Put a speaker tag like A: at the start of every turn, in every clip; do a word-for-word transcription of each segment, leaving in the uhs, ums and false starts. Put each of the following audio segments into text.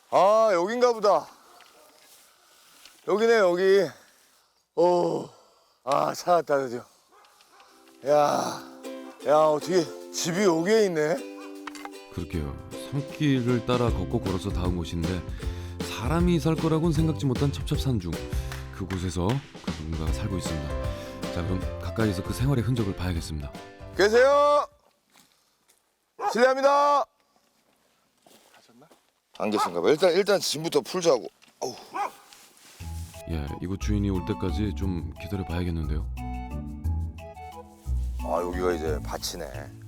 A: 아, 여긴가 보다. 여기네, 여기. 오, 아, 찾았다, 드디어. 야, 야, 어떻게 집이 여기에 있네?
B: 그러게요. 산길을 따라 걷고 걸어서 닿은 곳인데 사람이 살 거라고는 생각지 못한 첩첩산중. 그곳에서 그 누군가가 살고 있습니다. 자, 그럼 가까이서 그 생활의 흔적을 봐야겠습니다.
A: 계세요? 실례합니다. 안 계신가 봐. 일단 일단 짐부터 풀자고. 어우.
B: 예, 이곳 주인이 올 때까지 좀 기다려 봐야겠는데요.
A: 아, 여기가 이제 밭이네.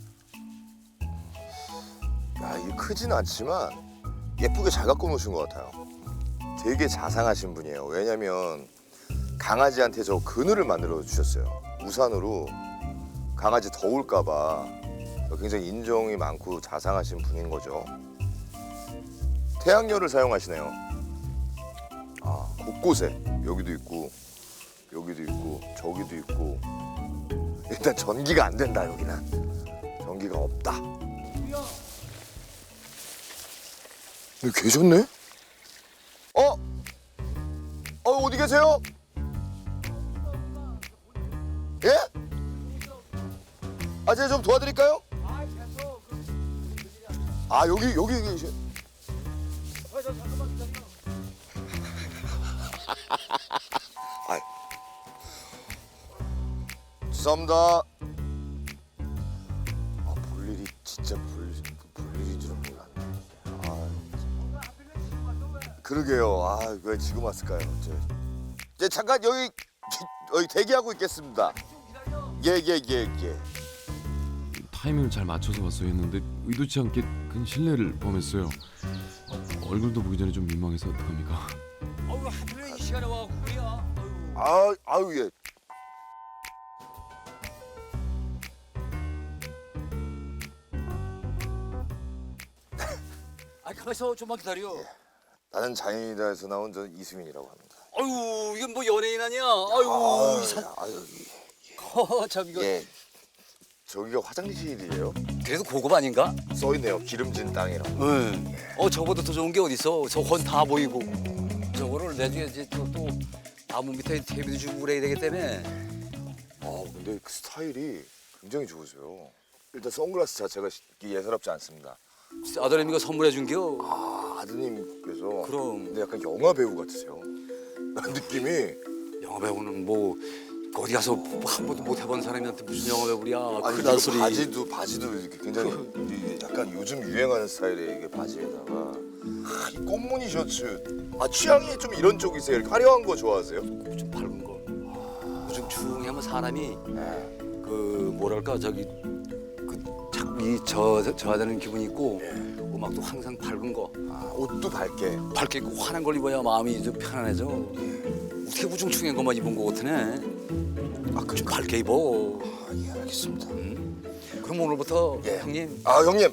A: 야, 이게 크진 않지만 예쁘게 잘 갖고 노신 것 같아요. 되게 자상하신 분이에요. 왜냐면 강아지한테 저 그늘을 만들어 주셨어요. 우산으로 강아지 더울까 봐. 굉장히 인정이 많고 자상하신 분인 거죠. 태양열을 사용하시네요. 아, 곳곳에 여기도 있고 여기도 있고 저기도 있고. 일단 전기가 안 된다, 여기는. 전기가 없다. 여기 계셨네? 어? 어, 어디 계세요? 예? 아, 제가 좀 도와드릴까요? 아, 여기 여기 계셔. 아, 죄송합니다. 아, 볼 일이 진짜 볼, 볼 일인 줄은 몰랐네. 아, 그러게요. 아, 왜 지금 왔을까요? 저, 저 잠깐 여기 여기 대기하고 있겠습니다. 예예예 예, 예, 예.
B: 타이밍을 잘 맞춰서 왔어야 했는데 의도치 않게 큰 실례를 범했어요. 얼굴도 보기 전에 좀 민망해서 어떡합니까?
C: 아유 하필 이 시간에 와갖고 그래야.
A: 아, 아유 예.
C: 아 가만있어 좀만 기다려.
A: 나는 장인이다에서 나온 저 이수민이라고 합니다.
C: 아유 이건 뭐 연예인 아니야. 아유 이 산.
A: 아유,
C: 어, 참 이거.
A: 예. 저기가 화장실이에요?
C: 그래도 고급 아닌가?
A: 써 있네요. 기름진 땅이라고.
C: 응. 어 저보다 더 좋은 게 어딨어? 저건 다 보이고. 저거를 나중에 이제 또, 또 나무 밑에 테이블 주고 그래야 되기 때문에.
A: 아, 근데 그 스타일이 굉장히 좋으세요. 일단 선글라스 자체가 예사롭지 않습니다.
C: 아들내미가 선물해 준겨.
A: 아, 아드님께서.
C: 그럼.
A: 근데 약간 영화 배우 같으세요. 느낌이.
C: 영화 배우는 뭐 어디 가서 한 번도 못 해본 사람한테 무슨 영화 배우야?
A: 아니,
C: 그딴
A: 이거
C: 소리.
A: 바지도 바지도 이렇게 굉장히 이 약간 요즘 유행하는 스타일의 이게 바지에다가 아, 이 꽃무늬 셔츠. 아, 취향이 좀 이런 쪽이세요? 이렇게 화려한 거 좋아하세요?
C: 좀 밝은 거. 요즘 중하면 사람이
A: 네.
C: 그 뭐랄까 저기 그 자꾸 이저 저하되는 기분이 있고 음악도 항상 밝은 거
A: 아, 옷도 밝게.
C: 밝게 입고 환한 걸 입어야 마음이 좀 편안해져. 어떻게 우중충한 것만 입은 거 같으네. 아, 좀 밝게 입어.
A: 아, 예, 알겠습니다.
C: 음. 그럼 오늘부터
A: 예.
C: 형님.
A: 아, 형님.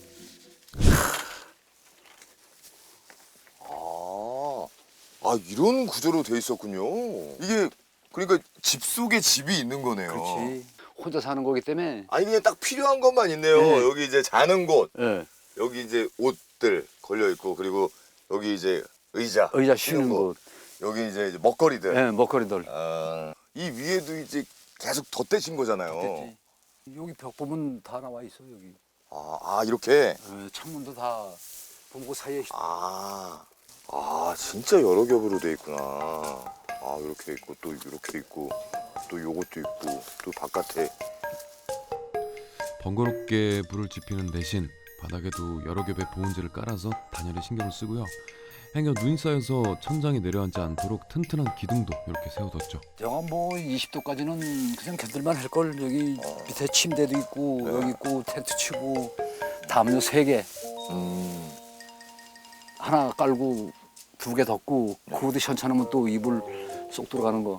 A: 아, 아, 이런 구조로 돼 있었군요. 이게 그러니까 집 속에 집이 있는 거네요.
C: 그렇지. 혼자 사는 거기 때문에.
A: 아니, 그냥 딱 필요한 것만 있네요.
C: 네.
A: 여기 이제 자는 곳,
C: 예.
A: 여기 이제 옷들 걸려 있고, 그리고 여기 이제 의자,
C: 의자 쉬는 곳.
A: 여기 이제 이제 먹거리들.
C: 예, 먹거리들.
A: 아, 이 위에도 이제 계속 덧대신 거잖아요.
C: 됐지. 여기 벽 보면 다 나와 있어 여기.
A: 아, 아, 이렇게.
C: 예, 창문도 다 보고 사이에.
A: 아, 아, 진짜 여러 겹으로 돼 있구나. 아, 이렇게 있고 또 이렇게 있고 또 요것도 있고 또 바깥에.
B: 번거롭게 불을 지피는 대신 바닥에도 여러 겹의 보온재를 깔아서 단열에 신경을 쓰고요. 행여 눈이 쌓여서 천장이 내려앉지 않도록 튼튼한 기둥도 이렇게 세워뒀죠.
C: 영하 뭐 이십 도까지는 그냥 견딜만 할 걸. 여기 밑에 침대도 있고
A: 네.
C: 여기 있고 텐트 치고 담요 세 개.
A: 음,
C: 하나 깔고 두 개 덮고 그것도 현찮으면 또 이불 쏙 들어가는 거.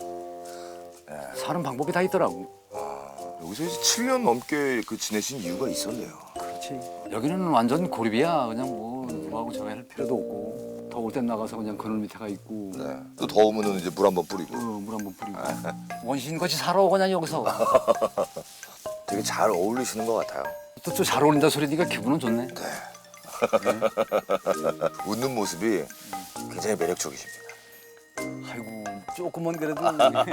C: 사는 방법이 다 있더라고.
A: 아, 여기서 이제 칠 년 넘게 그 지내신 이유가 있었네요.
C: 그렇지. 여기는 완전 고립이야. 그냥 뭐 누구하고 저기 할 필요도 없고 더울 땐 나가서 그냥 그늘 밑에 가 있고
A: 네. 또 더우면은 이제 물 한번 뿌리고.
C: 어, 물 한번 뿌리고 원신같이 살아 그냥 여기서.
A: 되게 잘 어울리시는 것 같아요.
C: 또 잘 어울린다 소리 니까 기분은 좋네.
A: 네. 웃는 모습이 굉장히 매력적이십니다.
C: 아이고 조금만 그래도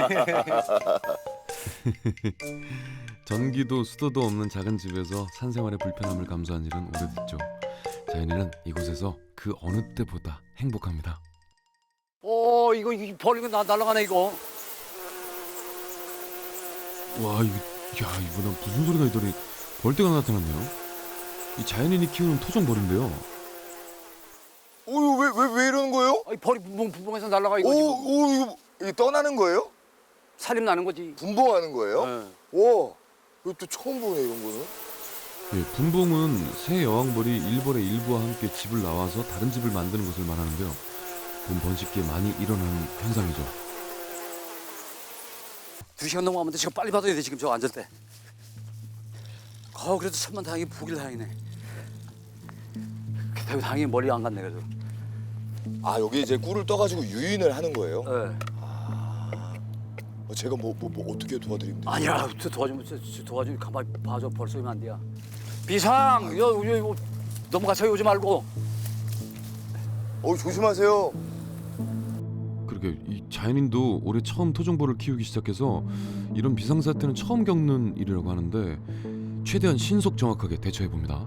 B: 전기도 수도도 없는 작은 집에서 산생활의 불편함을 감수한 일은 오래됐죠. 자연이는 이곳에서 그 어느 때보다 행복합니다.
C: 어 이거 이거 버리고 나 날아가네 이거.
B: 와 이거 야 이거 난 무슨 소리가 있더니 벌떼가 나타났네요. 이 자연인이 키우는 토종 벌인데요.
A: 오, 왜, 왜, 왜 이러는 거예요?
C: 아이 벌이 분봉 분봉해서 날아가
A: 오,
C: 이거 지금.
A: 오, 이거, 이거 떠나는 거예요?
C: 살림 나는 거지.
A: 분봉하는 거예요?
C: 네.
A: 와, 이거 또 처음 보네, 이런 거는.
B: 예, 분봉은 새 여왕벌이 일벌의 일부와 함께 집을 나와서 다른 집을 만드는 것을 말하는데요. 본 번식기에 많이 일어나는 현상이죠.
C: 두 시간 넘어가면 돼. 지금 빨리 받아야 돼 지금 저 앉을 때. 아 그래도 천만 다행히 보길 다행이네. 그렇다고 다행히 멀리 안 갔네 그래도.
A: 아, 여기 이제 꿀을 떠가지고 유인을 하는 거예요?
C: 네.
A: 어, 제가 뭐, 뭐, 뭐 어떻게 도와드리면 돼요?
C: 아니야 저 도와주면 저- 저 도와주면 가만히 봐줘 벌써 오면 안 돼요. 비상 여, 여, 여, 넘어가서 오지 말고.
A: 어, 조심하세요.
B: 그러게 이 자연인도 올해 처음 토종벌을 키우기 시작해서 이런 비상사태는 처음 겪는 일이라고 하는데 최대한 신속 정확하게 대처해 봅니다.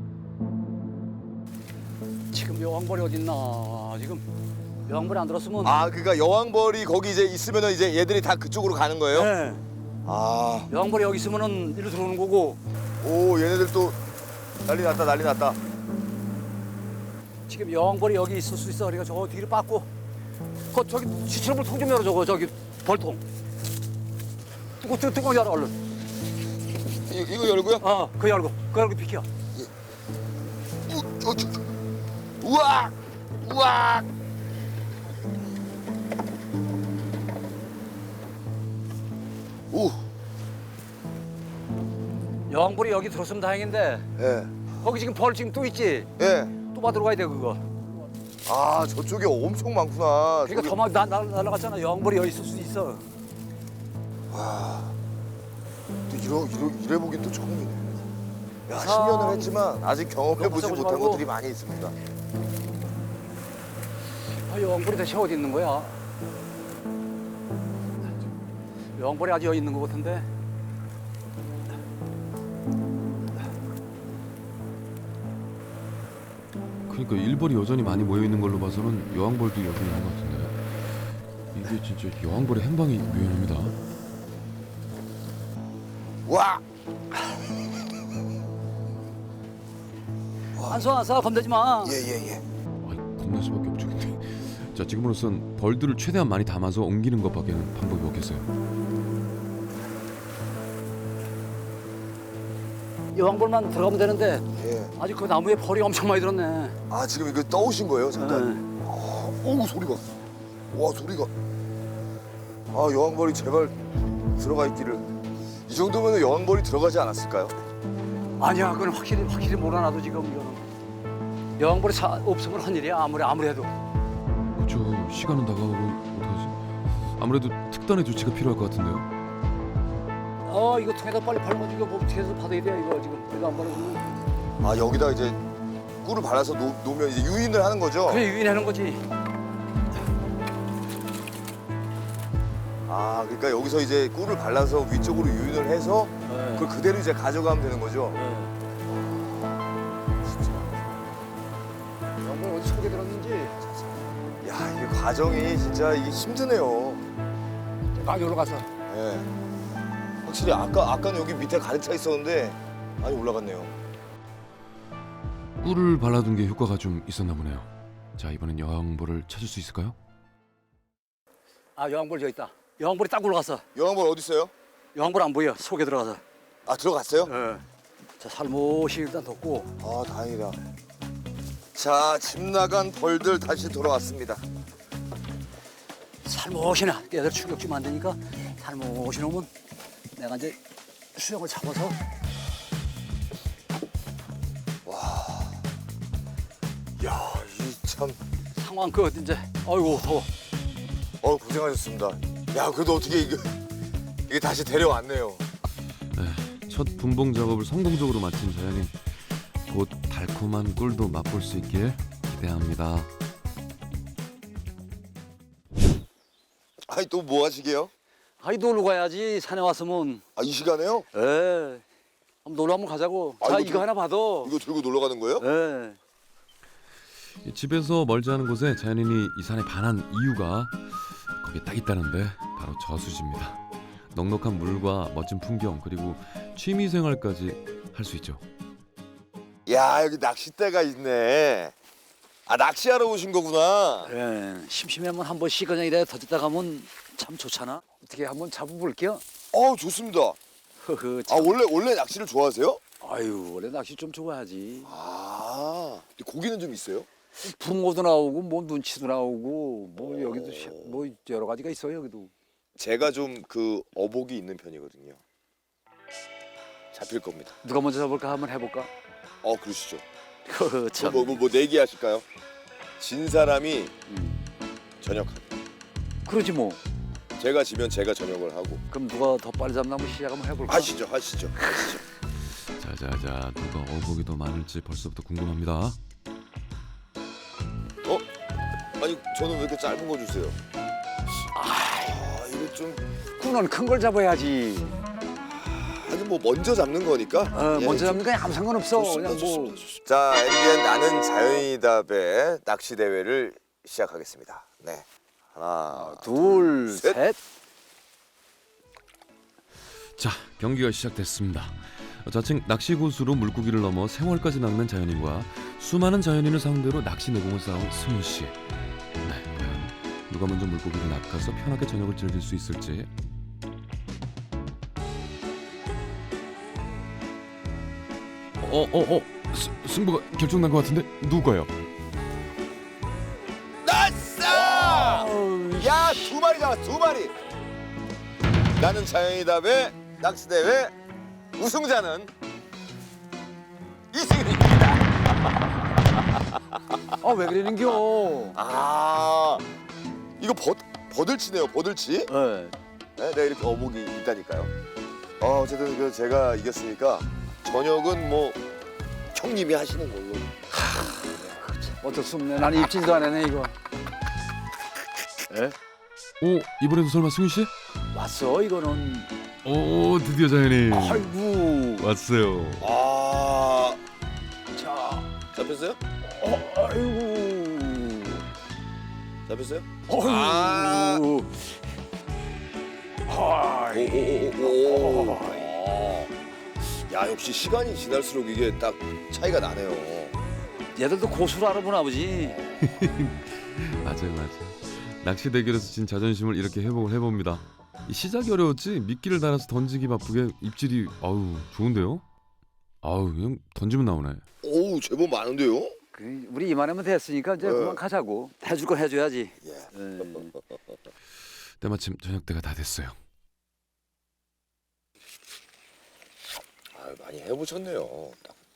C: 지금 여왕벌이 어딨나 지금 여왕벌이 안 들었으면.
A: 아, 그러니까 여왕벌이 거기 이제 있으면은 이제 얘들이 다 그쪽으로 가는 거예요?
C: 네.
A: 아,
C: 여왕벌이 여기 있으면은 일로 들어오는 거고.
A: 오, 얘네들 또 난리 났다, 난리 났다.
C: 지금 여왕벌이 여기 있을 수 있어. 그러니까 저 뒤를 빠고. 그 저기 시체물 통 좀 열어 저거 저기 벌통. 뚜껑 뚜껑 뚜껑 열어 얼른.
A: 이, 이거 열고요?
C: 어, 그 열고 그 열고 비켜.
A: 우, 어, 저, 저. 우와! 우와! 오,
C: 여왕벌이 여기 들었으면 다행인데
A: 예,
C: 거기 지금 벌 지금 또 있지.
A: 예.
C: 또 받으러 가야 돼 그거.
A: 아, 저쪽에 엄청 많구나.
C: 그러니까
A: 저기-
C: 더막 날아갔잖아. 여왕벌이 여기 있을 수 있어.
A: 와, 또 이러, 이러, 이래 보긴 또 처음이네. 야,
C: 참.
A: 십 년을 했지만 아직 경험해보지
C: 넘어서지
A: 못한
C: 말고.
A: 것들이 많이 있습니다.
C: 아, 여왕벌이 대체 어디 있는 거야? 여왕벌이 아직 여기 있는 것 같은데.
B: 그러니까 일벌이 여전히 많이 모여 있는 걸로 봐서는 여왕벌도 여기 있는 것 같은데 이게 진짜 여왕벌의 행방이 묘연합니다.
A: 와!
C: 안 써, 안 써. 겁내지 마.
A: 예, 예, 예.
B: 아이, 겁날 수밖에 없죠 근데. 자 지금으로선 벌들을 최대한 많이 담아서 옮기는 것밖에는 방법이 없겠어요.
C: 여왕벌만 들어가면 되는데
A: 예.
C: 아직 그 나무에 벌이 엄청 많이 들었네.
A: 아, 지금 이거 떠오신 거예요, 잠깐?
C: 네.
A: 어우, 소리가. 와, 소리가. 아, 여왕벌이 제발 들어가 있기를. 이 정도면 여왕벌이 들어가지 않았을까요?
C: 아니야, 그건 확실히 확실히 몰아놔도 지금 이거는 여왕벌이 사, 없으면 한 일이야. 아무리 아무리 해도.
B: 그렇죠. 시간은 다가오고 어떡하지? 아무래도 특단의 조치가 필요할 것 같은데요.
C: 어, 이거 통에다 빨리 발라가지고 뭐 어떻게 해서 받아야 돼 이거 지금 내가 안 발라주면.
A: 아, 여기다 이제 꿀을 발라서 놓, 놓으면 이제 유인을 하는 거죠?
C: 그래 유인하는 거지.
A: 아, 그러니까 여기서 이제 꿀을 발라서 위쪽으로 유인을 해서
C: 네.
A: 그걸 그대로 이제 가져가면 되는 거죠?
C: 네. 여왕벌 어디 속에 들었는지.
A: 야, 이게 과정이 진짜 이게 힘드네요.
C: 아, 여기로 가서.
A: 예. 확실히 아까 아까는 여기 밑에 가득 차 있었는데 많이 올라갔네요.
B: 꿀을 발라둔 게 효과가 좀 있었나 보네요. 자 이번엔 여왕벌을 찾을 수 있을까요?
C: 아, 여왕벌 저기 있다. 여왕벌이 딱 올라갔어.
A: 여왕벌 어디 있어요?
C: 여왕벌 안 보여. 속에 들어가서.
A: 아, 들어갔어요?
C: 예. 자, 살모시 일단 덮고.
A: 아, 다행이다. 자, 집 나간 벌들 다시 돌아왔습니다.
C: 살모시나 얘들 충격 주면 안 되니까 살모시 놓으면 내가 이제 수영을 잡아서.
A: 야, 이 참,
C: 상황 그 이제 아이고 더워.
A: 어 고생하셨습니다. 야, 그래도 어떻게 이게 이게 다시 데려왔네요.
B: 네, 첫 분봉 작업을 성공적으로 마친 자연인 곧 달콤한 꿀도 맛볼 수 있길 기대합니다.
A: 아니 또 뭐 하시게요?
C: 아이 놀러 가야지 산에 왔으면.
A: 아 이 시간에요?
C: 에. 한번 놀러 한번 가자고.
A: 아,
C: 자
A: 이거
C: 이거
A: 들-
C: 하나 받아.
A: 이거 들고 놀러 가는 거예요?
C: 에.
B: 이 집에서 멀지 않은 곳에 자연인이 이 산에 반한 이유가 거기에 딱 있다는데 바로 저수지입니다. 넉넉한 물과 멋진 풍경 그리고 취미 생활까지 할 수 있죠.
A: 야 여기 낚싯대가 있네. 아 낚시하러 오신 거구나.
C: 예, 심심하면 한 번씩 그냥 이래 던졌다 가면 참 좋잖아. 어떻게 한번 잡아볼게요?
A: 어 좋습니다.
C: 허허,
A: 아
C: 참.
A: 원래 원래 낚시를 좋아하세요?
C: 아유, 원래 낚시 좀 좋아하지.
A: 아 근데 고기는 좀 있어요?
C: 붕어도 나오고 뭐 눈치도 나오고 뭐 여기도 시- 뭐 여러 가지가 있어요 여기도.
A: 제가 좀 그 어복이 있는 편이거든요. 잡힐 겁니다.
C: 누가 먼저 잡을까 한번 해볼까?
A: 어 그러시죠.
C: 허허, 참.
A: 뭐 뭐 뭐 내기 하실까요? 진 사람이
C: 음,
A: 저녁하기.
C: 그러지 뭐.
A: 제가 지면 제가 저녁을 하고.
C: 그럼 누가 더 빨리 잡나 한번 시작 한번 해볼까?
A: 하시죠, 하시죠, 하시죠.
B: 자자자 누가 어복이 더 많을지 벌써부터 궁금합니다.
A: 어? 아니 저는 왜 이렇게 짧은 거 주세요? 아 이거 좀
C: 그건 큰 걸 잡아야지.
A: 아니 뭐 먼저 잡는 거니까.
C: 어,
A: 예,
C: 먼저
A: 좀-
C: 잡는 건 아무 상관없어.
A: 좋습니다,
C: 그냥 뭐.
A: 좋습니다, 좋습니다. 자, 엠비엔 나는 자연이답의 낚시 대회를 시작하겠습니다. 네, 하나,
C: 둘,
A: 셋.
C: 셋.
B: 자 경기가 시작됐습니다. 자칭 낚시 고수로 물고기를 넘어 생활까지 낚는 자연인과 수많은 자연인을 상대로 낚시 내공을 쌓은 승윤 씨. 네, 과연 누가 먼저 물고기를 낚아서 편하게 저녁을 즐길 수 있을지. 어어어 승부가 결정난 것 같은데 누가요?
A: 나싸! 야, 두 마리 잡았어, 두 마리. 나는 자연이답의 낚시 대회 우승자는 이승윤입니다.
C: 아 왜 그러는겨?
A: 아, 이거 버 버들치네요, 버들치.
C: 네.
A: 네, 내가 이렇게 어복이 있다니까요. 어, 어쨌든 그 제가 이겼으니까 저녁은 뭐 형님이 하시는 걸로.
C: 어쩔 수 없네. 나는 입질도 안 해네 이거. 에?
B: 오 이번에도 설마 승윤 씨?
C: 왔어 이거는.
B: 오 드디어 자연인
C: 아이고.
B: 왔어요.
A: 아,
C: 자.
A: 잡혔어요?
C: 어, 아이고.
A: 잡혔어요?
C: 아이고.
A: 오오오오. 야, 역시 시간이 지날수록 이게 딱 차이가 나네요.
C: 얘들도 고수를 알아보나 보지.
B: 맞아요 맞아요. 낚시 대결에서 진 자존심을 이렇게 회복을 해봅니다. 이 시작이 어려웠지 미끼를 달아서 던지기 바쁘게 입질이 아우 좋은데요? 아우 그냥 던지면 나오네.
A: 오, 제법 많은데요?
C: 그, 우리 이만하면 됐으니까 이제
A: 네.
C: 그만 가자고. 해줄 건 해줘야지.
A: 예.
C: 에.
B: 때마침 저녁 때가 다 됐어요.
A: 아, 많이 해보셨네요.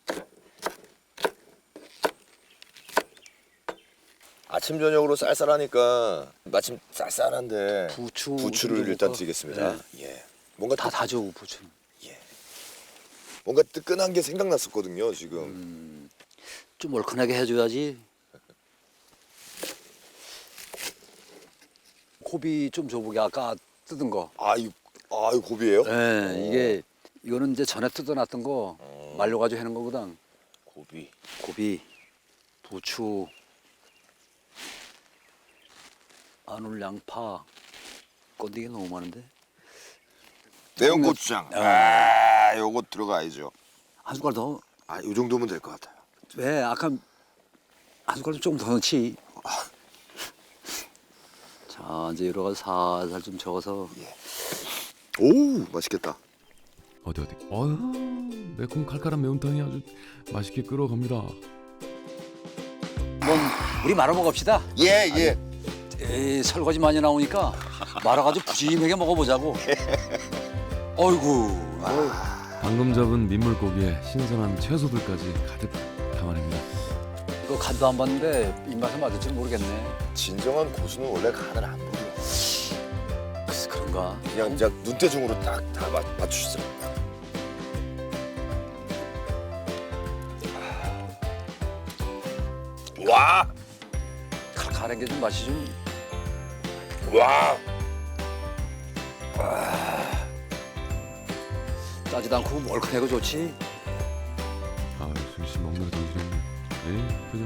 A: 아침 저녁으로 쌀쌀하니까 마침 쌀쌀한데
C: 부추.
A: 부추를
C: 좀
A: 일단
C: 먹을까?
A: 드리겠습니다.
C: 네.
A: 예. 뭔가
C: 다
A: 뜨,
C: 다져 부추.
A: 뭔가 뜨끈한 게 생각났었거든요. 지금.
C: 음, 좀 얼큰하게 해줘야지. 고비 좀 줘보게 아까 뜯은 거.
A: 아이, 아이 고비예요?
C: 예, 이게 이거는 이제 전에 뜯어놨던 거
A: 어.
C: 말려가지고 하는 거거든.
A: 고비.
C: 고비, 부추, 마늘, 양파, 건더기 너무 많은데.
A: 매운 고추장. 아, 요거 들어가야죠.
C: 한 숟갈 더.
A: 아, 요 정도면 될 것 같아요.
C: 왜 아까 한 숟갈 좀 더 넣지. 자 이제 여러 가지 살살 좀 저어서.
A: 오, 맛있겠다.
B: 어디 어디? 어휴 매콤 칼칼한 매운탕이 아주 맛있게 끓어갑니다.
C: 한번 우리 말아 먹읍시다.
A: 예, 예.
C: 에이, 설거지 많이 나오니까 말아가지고 푸짐하게 먹어보자고. 어이구.
B: 방금 잡은 민물고기에 신선한 채소들까지 가득 담아냅니다.
C: 이거 간도 안 봤는데 입맛에 맞을지 모르겠네.
A: 진정한 고수는 원래 간을 안 보여요.
C: 글쎄 그런가?
A: 그냥 그냥 눈대중으로 딱 다 맞추시더라고요. 와,
C: 칼칼한 게 좀 맛이 좀.
A: 와.
C: 짜지도 않고 멀큰하고 좋지.
B: 아, 승씨 먹는 거 정신없네. 네, 그죠?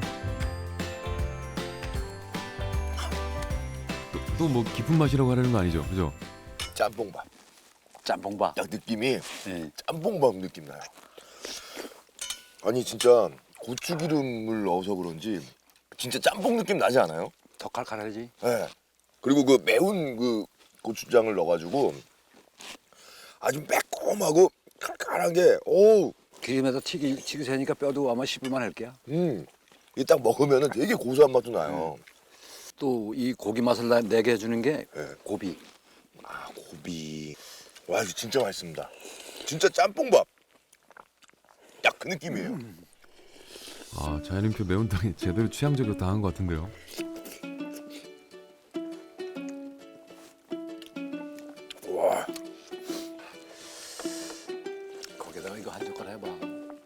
B: 또 뭐 깊은 맛이라고 하려는 거 아니죠, 그죠?
A: 짬뽕밥.
C: 짬뽕밥.
A: 딱 느낌이
C: 예.
A: 짬뽕밥 느낌 나요. 아니 진짜 고추기름을 넣어서 그런지 진짜 짬뽕 느낌 나지 않아요?
C: 더 칼칼하지.
A: 네. 그리고 그 매운 그 고추장을 넣어가지고 아주 매콤하고 칼칼한 게 오,
C: 기름에서 튀기 튀기세니까 뼈도 아마 씹을만 할 게야.
A: 음, 이게 딱 먹으면은 되게 고소한 맛도 나요.
C: 또 이 고기 맛을 나- 내게 해주는 게
A: 네.
C: 고비.
A: 아 고비, 와 이거 진짜 맛있습니다. 진짜 짬뽕밥. 딱 그 느낌이에요.
B: 아, 자연인표 매운탕이 제대로 취향적으로 당한 것 같은데요.
A: 와,
C: 거기다가 이거 한 젓갈 해봐.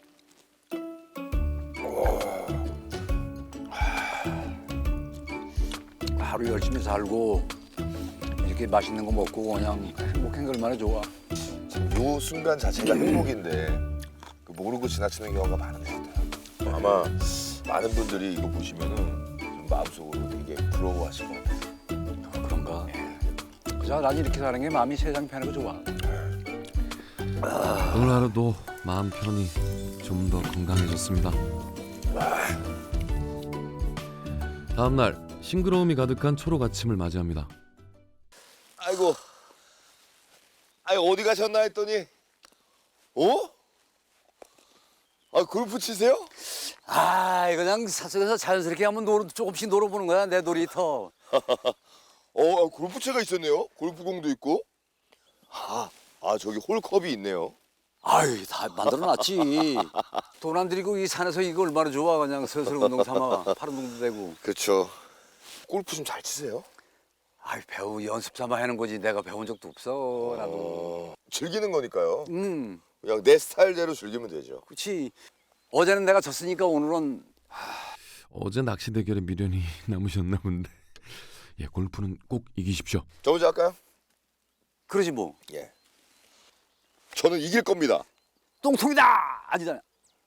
C: 하루 열심히 살고 이렇게 맛있는 거 먹고 그냥 행복한 게 얼마나 좋아.
A: 지금 요 순간 자체가 행복인데 그 모르고 지나치는 경우가 많은 것 같아요. 아마 많은 분들이 이거 보시면은 좀 마음속으로 되게 부러워하실 것 같아요.
C: 그런가? 그저 난 이렇게 사는 게 마음이 세상 편하고 좋아.
B: 오늘 하루도 마음 편히 좀 더 건강해졌습니다. 다음 날 싱그러움이 가득한 초록 아침을 맞이합니다.
A: 아이고, 아이 어디 가셨나 했더니, 어? 아 골프 치세요?
C: 아, 이거 그냥 사석에서 자연스럽게 한번 놀, 조금씩 놀아보는 거야, 내 놀이터.
A: 어, 아, 골프채가 있었네요. 골프공도 있고. 아, 아 저기 홀컵이 있네요.
C: 아유, 다 만들어놨지. 돈 안 들이고 이 산에서 이거 얼마나 좋아. 그냥 슬슬 운동 삼아. 팔 운동도 되고.
A: 그렇죠. 골프 좀 잘 치세요?
C: 아유, 배우 연습 삼아 하는 거지. 내가 배운 적도 없어, 나도.
A: 어, 즐기는 거니까요.
C: 음,
A: 그냥 내 스타일대로 즐기면 되죠.
C: 그렇지. 어제는 내가 졌으니까 오늘은
B: 어제 낚시 대결에 미련이 남으셨나 본데. 예, 골프는 꼭 이기십시오.
A: 저 먼저 할까요?
C: 그러지 뭐.
A: 예. 저는 이길 겁니다.
C: 똥통이다! 아니잖아.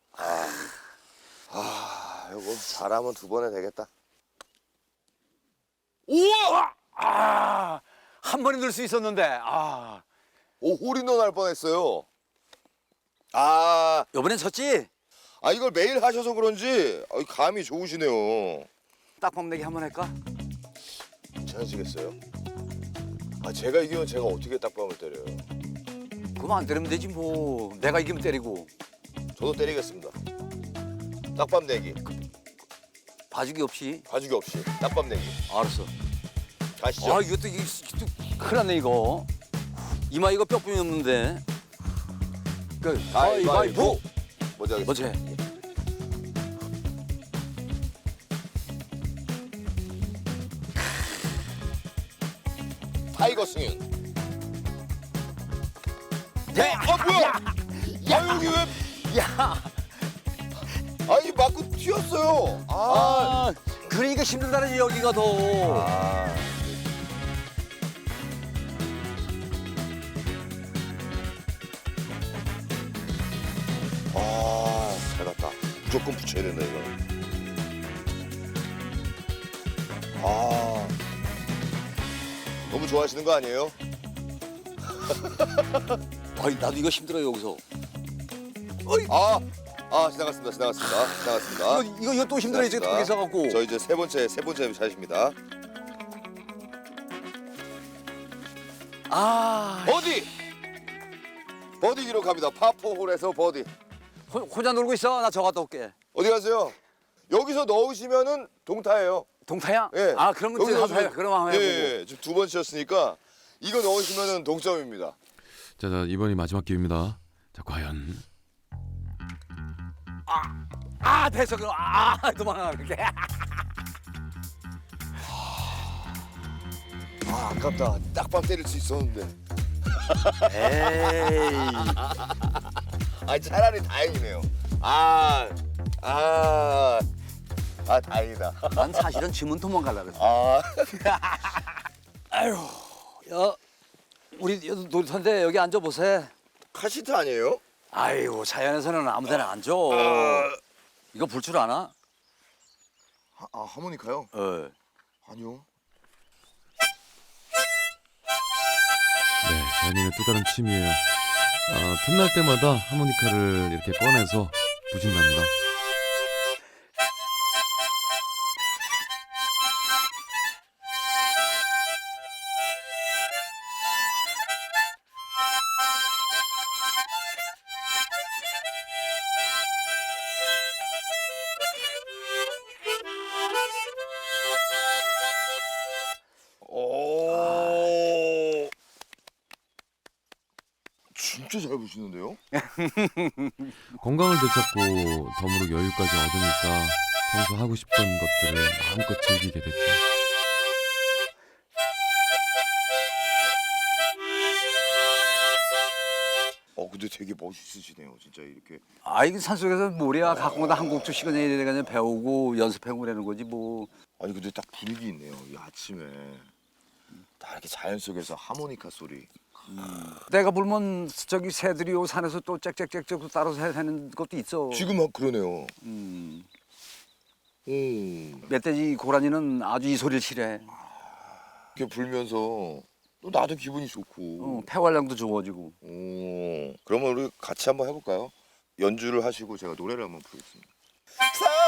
A: 아, 이거 잘하면 두 번에 되겠다.
C: 우와! 아, 한 번에 넣을 수 있었는데. 아,
A: 오, 홀인원 할 뻔했어요. 아,
C: 이번엔 졌지?
A: 아 이걸 매일 하셔서 그런지 아, 감이 좋으시네요.
C: 딱밤 내기 한 번 할까?
A: 괜찮으시겠어요? 아 제가 이기면 제가 어떻게 딱밤을 때려요?
C: 그럼 안 때리면 되지 뭐. 내가 이기면 때리고.
A: 저도 때리겠습니다. 딱밤 내기,
C: 봐주기 없이.
A: 봐주기 없이 딱밤 내기.
C: 알았어.
A: 가시죠.
C: 아, 이것도, 이거, 이것도 큰일 났네, 이거. 이마 이거 뼈뿐이 없는데. 그, 가위바위보!
A: 먼저 하겠습니다.
C: 먼저 해.
A: 타이거 승윤.
C: 네.
A: 아 뭐야? 야 여기 왜?
C: 야!
A: 아니 맞고 튀었어요. 아.
C: 아, 그러니까 힘들다는 여기가 더.
A: 아. 아, 잘 갔다. 무조건 붙여야 된다 이거. 아, 너무 좋아하시는 거 아니에요?
C: 아이, 나도 이거 힘들어요, 여기서.
A: 아, 아 지나갔습니다. 지나갔습니다. 지나갔습니다.
C: 이거, 이거, 이거 또 힘들어, 이제
A: 지나갔습니다.
C: 통해서 갖고.
A: 저 이제 세 번째 세 번째 샷입니다.
C: 아,
A: 버디. 버디 기록합니다. 파포 홀에서 버디.
C: 호, 혼자 놀고 있어. 나 저 갔다 올게.
A: 어디 가세요? 여기서 넣으시면은 동타예요.
C: 동타야?
A: 예.
C: 아, 그러면
A: 여기서
C: 한번 해.
A: 넣으시면-
C: 그럼 한번
A: 예,
C: 해보고.
A: 예, 지금 두 번 치셨으니까 이거 넣으시면은 동점입니다.
B: 자, 자, 이번이 마지막 기회입니다. 자, 과연
C: 아, 됐어. 그럼. 아, 도망가, 이렇게.
A: 아, 아깝다. 딱밤 때릴 수 있었는데.
C: 에이.
A: 아, 차라리 다행이네요. 아, 아, 아 다행이다.
C: 난 사실은 지문 도망가려고 그랬어.
A: 아
C: 아유, 야, 우리 놀이터인데 여기 앉아보세.
A: 카시트 아니에요?
C: 아이고, 자연에서는 아무데나 앉아. 이거 불 줄 아나?
A: 하, 아 하모니카요?
C: 어.
A: 아니요.
B: 네, 자연인의 또 다른 취미예요. 아, 틈날 때마다 하모니카를 이렇게 꺼내서 부신답니다.
A: 오. 진짜 잘 부시는데요?
B: 건강을 되찾고 덤으로 여유까지 얻으니까 평소 하고 싶던 것들을 마음껏 즐기게 됐죠.
A: 어 근데 되게 멋있으시네요. 진짜 이렇게.
C: 아, 이게 산속에서 모래와 가공다 한 곡 두 시간 내내 배우고 연습하고 그러는 거지 뭐.
A: 아니 근데 딱 분위기 있네요. 이 아침에 딱 이렇게 자연 속에서 하모니카 소리.
C: 내가 불면 저기 새들이 요 산에서 또 짹짹짹짹 따라서 하는 것도 있어.
A: 지금 막 그러네요.
C: 음.
A: 오.
C: 멧돼지 고라니는 아주 이 소리를 싫어해.
A: 이렇게 불면서 또 나도 기분이 좋고.
C: 어, 폐활량도 좋아지고.
A: 오. 그러면 우리 같이 한번 해볼까요? 연주를 하시고 제가 노래를 한번 부르겠습니다.